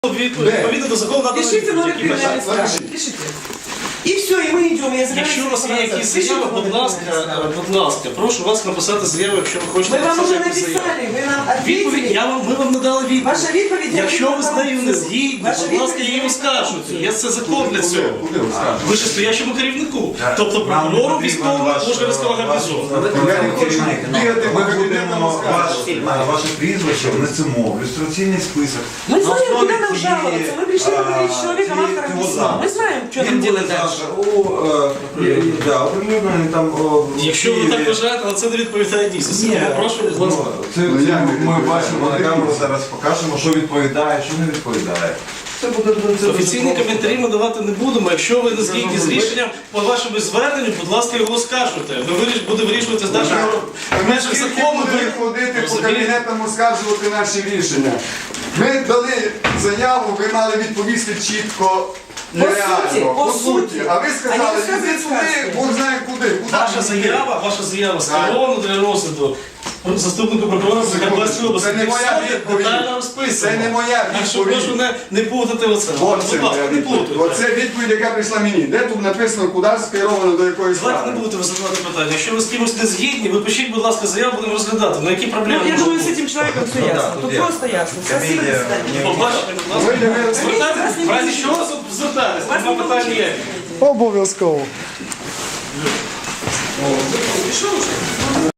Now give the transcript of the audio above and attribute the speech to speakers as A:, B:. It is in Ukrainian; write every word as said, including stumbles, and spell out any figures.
A: Відповідно до закону надо
B: Пишите номер
A: відповідь.
B: криминальной справки. Пишите. И все, и мы идем. Я
A: Якщо у вас є якісь заяви, будь ласка, будь ласка, прошу вас написати заяву, якщо ви хочете
B: Мы вам уже
A: написати якусь заяву.
B: написали, вы нам
A: Відповідь,
B: ответили.
A: я вам, ми вам надали відповідь.
B: Ваша відповідь, я
A: Якщо ви з
B: відповідь
A: нею
B: на
A: не
B: корупцію.
A: згідні,
B: Ваша
A: будь ласка,
B: відповідь,
A: її
B: я
A: оскаржуйте. Є це закон для цього.
C: Куди ви скажете?
A: Вищестоящому керівнику.
C: Так.
A: Тобто
C: Нам
A: прокурору
C: потрібен
A: військовому
C: ваш,
A: Ужгородського
C: ваш-
A: гарнізону.
C: Я не хочу бігати по
D: Ми
C: кабінетам
D: будемо
C: розказувати.
D: ваш- ваше прізвище внесемо в ілюстраційний список.
B: Мы
D: На
B: знаем,
D: основі
B: куда нам
D: цієї,
B: жаловаться. Мы пришли
D: а,
B: поговорить с человеком,
D: цієї-
B: автором
D: цього
B: письма. Мы
D: запису.
B: знаем, что
D: Він
B: нам
D: буде
B: делать
D: завтра
B: дальше.
D: у, е, і- да, оприлюднений там о, в
A: Якщо ви
D: Києві.
A: так вважаєте, але це не відповідає дійсності.
D: Ні,
A: Тому прошу, будь ласка.
D: ну, це, це ми бачимо на камеру, зараз покажемо, що відповідає, що не відповідає. Це буде це
A: Офіційні
D: дуже
A: коментарі ми давати не будемо. Якщо ви не згідні з рішенням по вашому зверненню, будь ласка, його оскаржуйте. Ви виріш, буде вирішувати з нашим в межах закону.
C: Будемо
A: ви-
C: ходити по
A: розумієте?
C: кабінетам оскаржувати наші рішення. Ми дали заяву, ви мали відповісти чітко і
B: По
C: реально.
B: суті, по суті.
C: А ви
B: А
C: сказали,
B: не
C: іди
B: розказують
C: туди,
B: сказки.
C: Бог знає куди. Куди
A: Ваша
C: ви йдете?
A: заява, ваша заява скерована для розгляду заступнику прокурора Закарпатської області.
C: Це не моя
A: Все
C: відповідь.
A: детально розписано.
C: Це не моя
A: Так що
C: відповідь.
A: прошу не, не плутати оце.
C: Оце
A: Будь ласка,
C: моя
A: не
C: відповідь.
A: плутайте.
C: Оце відповідь, яка прийшла мені. Де тут написано, куди скеровано, до якої
A: Давайте не
C: справи?
A: будете ви задавати питання. Якщо ви з кимось не згідні, ви пишіть, будь ласка, заяву, будемо розглядати. Ну які проблеми?
B: Ну, я
A: можуть
B: думаю, с
A: бути?
B: этим человеком все
D: Ну да,
B: ясно.
D: тут
B: Тут
D: я-
B: просто ясно. Спасибо, до
D: Комедия.
B: свидания.
A: Побачите, будь ласка.
C: Ви не ви-
A: Звертайтесь, в разі чого звертайтесь,
B: Вас
A: нема
B: не
A: питань
B: получилось.
A: ніяких.
C: Обов'язково.
B: Пришел уже?